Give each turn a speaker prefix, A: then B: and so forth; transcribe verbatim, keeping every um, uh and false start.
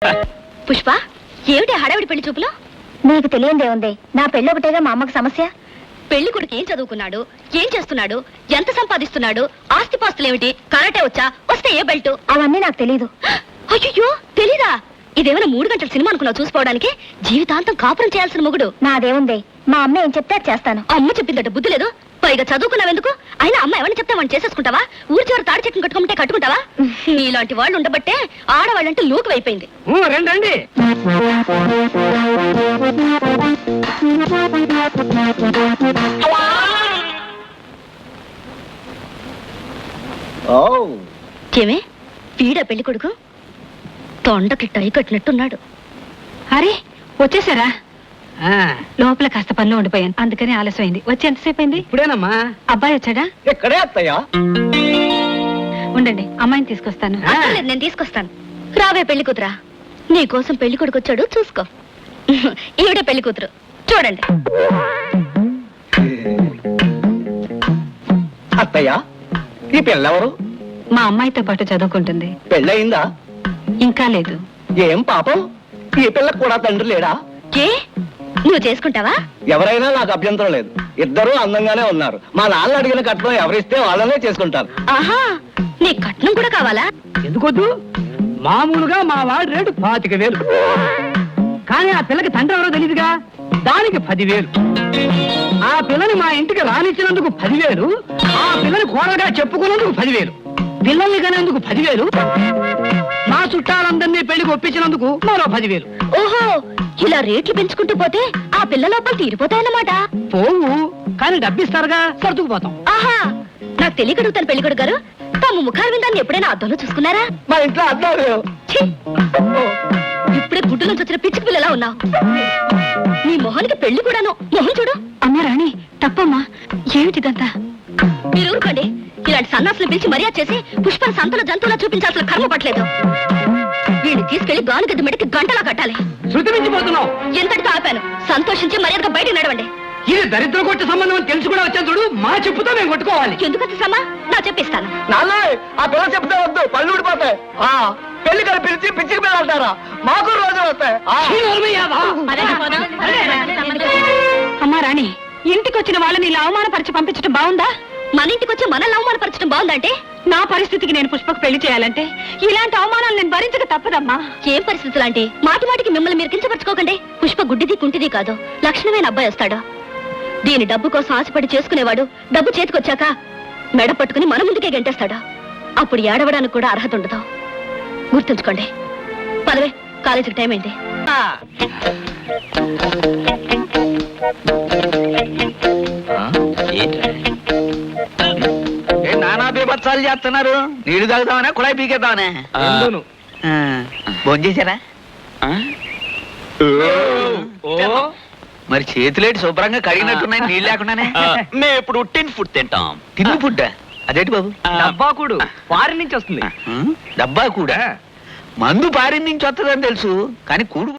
A: పుష్ప, ఏమిటి హడావిడి పెళ్లి చూపులో? నీకు తెలియందే ఉంది, నా పెళ్లి ఒకటేగా మా అమ్మకి సమస్య. పెళ్లి కొడుకు ఏం చదువుకున్నాడు, ఏం చేస్తున్నాడు, ఎంత సంపాదిస్తున్నాడు, ఆస్తిపాస్తులేమిటి, కరాటే వచ్చా, వస్తే ఏ బెల్ట్, అవన్నీ నాకు తెలీదు. అయ్యో తెలీదా? ఇదేమైనా మూడు గంటల సినిమా అనుకున్నావు చూసుకోవడానికి? జీవితాంతం కాపురం చేయాల్సిన మొగుడు. నాదేముంది, మా అమ్మ ఏం చెప్తే అది చేస్తాను. అమ్మ చెప్పిందట బుద్ధి లేదు, పైగా చదువుకున్నావెందుకు? అయినా అమ్మ ఎవరిని చెప్తే వాడిని చేసేసుకుంటావా? ఊరి చివరి తాడి చెట్టును కట్టుకుంటే కట్టుకుంటావా? నీలాంటి వాళ్ళు ఉండబట్టే ఆడవాళ్ళంటే లోకు అయిపోయింది.
B: రండి.
A: ఏమే వీడా పెళ్లి కొడుకు? తొండకి టై కట్టినట్టున్నాడు. అరే వచ్చేసారా? లోపల కాస్త పనిలో ఉండిపోయాను, అందుకని ఆలస్యమైంది. వచ్చి ఎంతసేపు అయింది?
B: ఇప్పుడేనమ్మా.
A: అబ్బాయి వచ్చాడా?
B: ఎక్కడే అత్తయ్యా?
A: ఉండండి, అమ్మాయిని తీసుకొస్తాను. నేను తీసుకొస్తాను. రావే పెళ్లి కూతురా, నీ కోసం పెళ్లి కొడుకు వచ్చాడు, చూసుకో. ఈవిడే పెళ్లి కూతురు, చూడండి.
B: అత్తయ్యా, ఈ పిల్లెవరు?
A: మా అమ్మాయితో పాటు చదువుకుంటుంది.
B: పెళ్ళయిందా?
A: ఇంకా లేదు.
B: ఏం పాపం, ఈ పిల్లకు కూడా తండ్రి లేడా?
A: ఏ నువ్వు చేసుకుంటావా?
B: ఎవరైనా నాకు అభ్యంతరం లేదు, ఇద్దరూ అందంగానే ఉన్నారు. మా నాన్న అడిగిన కట్నం ఎవరిస్తే వాళ్ళనే చేసుకుంటారు.
A: ఆహా, నీ కట్నం కూడా కావాలా?
B: ఎందుకొద్దు, మామూలుగా మా వాడి రేటు పాతిక వేలు, కానీ ఆ పిల్లకి తండ్రి ఎవరో తెలియదుగా, దానికి పదివేలు. ఆ పిల్లని మా ఇంటికి రానిచ్చినందుకు పదివేలు, ఆ పిల్లని కోరగా చెప్పుకున్నందుకు పదివేలు, పిల్లల్ని కనేందుకు పదివేలు, మా చుట్టాలందరినీ పెళ్లికి ఒప్పించినందుకు మరో పదివేలు.
A: ఓహో, ఇలా రేట్లు పెంచుకుంటూ పోతే ఆ పిల్ల లోపల తీరిపోతాయన్నమాట.
B: పోవు, కానీ డబ్బిస్తారుగా, సర్దుకుపోతాం.
A: ఆహా, నాకు తెలియకడుగుతాను పెళ్లి కొడుకు గారు, తమ ముఖాల విందాన్ని ఎప్పుడైనా అద్దంలో చూసుకున్నారా?
B: మా ఇంట్లో అర్థం
A: ఇప్పుడే గుడ్డు నుంచి వచ్చిన పిచ్చి పిల్లలా ఉన్నావు. నీ మొహానికి పెళ్లి కూడాను. మొహం చూడు. అమ్మా రాణి, తప్పమ్మా, ఏమిటిదంతా? మీరు ఊరుకోండి, ఇలాంటి సన్నాసులు పిలిచి మర్యాద చేసి పుష్పని సంతల జంతువులా చూపించాల్సిన కర్మ పట్టలేదు. వీడిని తీసుకెళ్లి గానుగద్ద మెడకి గంటలా కట్టాలి.
B: శృతి మించిపోతున్నావు.
A: ఎంతటితో ఆపాను, సంతోషించి మర్యాదగా బయటకు నడవండి.
B: ఇది దరిద్ర కొట్ట సంబంధం అని తెలుసు కూడా వచ్చాను చూడు, మా చెప్పుతో మేము కొట్టుకోవాలి.
A: ఎందుకు వచ్చేసమ్మా, నా చెప్పిస్తాను.
B: నాన్న, ఆ పిల్ల చెప్తే వద్దు, పళ్ళు ఊడిపోతాయి. పెళ్లి కలిపి పిలిచి పిచ్చికి పిల్లలు అంటారా? మాకు రోజులు వస్తాయి.
A: అమ్మా రాణి, ఇంటికి వచ్చిన వాళ్ళని ఇలా అవమానపరిచి పంపించడం బాగుందా? మన ఇంటికి వచ్చి మనల్ని అవమానపరచడం బాగుందంటే? నా పరిస్థితికి నేను పుష్పకు పెళ్లి చేయాలంటే ఇలాంటి అవమానాలు నేను భరించక తప్పదమ్మా. ఏం పరిస్థితులు అంటే మాటి మాటికి మిమ్మల్ని మీరు కించపరచుకోకండి. పుష్ప గుడ్డిది కుంటిది కాదు, లక్షణమైన అబ్బాయి వస్తాడు. దీని డబ్బు కోసం ఆశపడి చేసుకునేవాడు డబ్బు చేతికొచ్చాక మెడ పట్టుకుని మన ముందుకే గెంటేస్తాడు. అప్పుడు ఏడవడానికి కూడా అర్హత ఉండదు. గుర్తుంచుకోండి. పదవే, కాలేజీకి టైం అయింది.
C: నానా బీభత్సాలు చేస్తున్నారు. నీళ్లు తాగుతామనే, కుళాయి పీకేద్దామనే. భోజనం చేశారా? మరి చేతులేటి శుభ్రంగా కడిగినట్టున్నాయి, నీళ్ళు లేకుండానే.
D: మేము ఇప్పుడు టిన్ ఫుడ్ తింటాం.
C: తిన్ను ఫుడ్ అదేంటి బాబు?
B: డబ్బాకుడు ఫారిన్ నుంచి వస్తుంది.
C: డబ్బా కూడా మందు పారిన్ నుంచి వస్తుందని తెలుసు, కానీ కూడు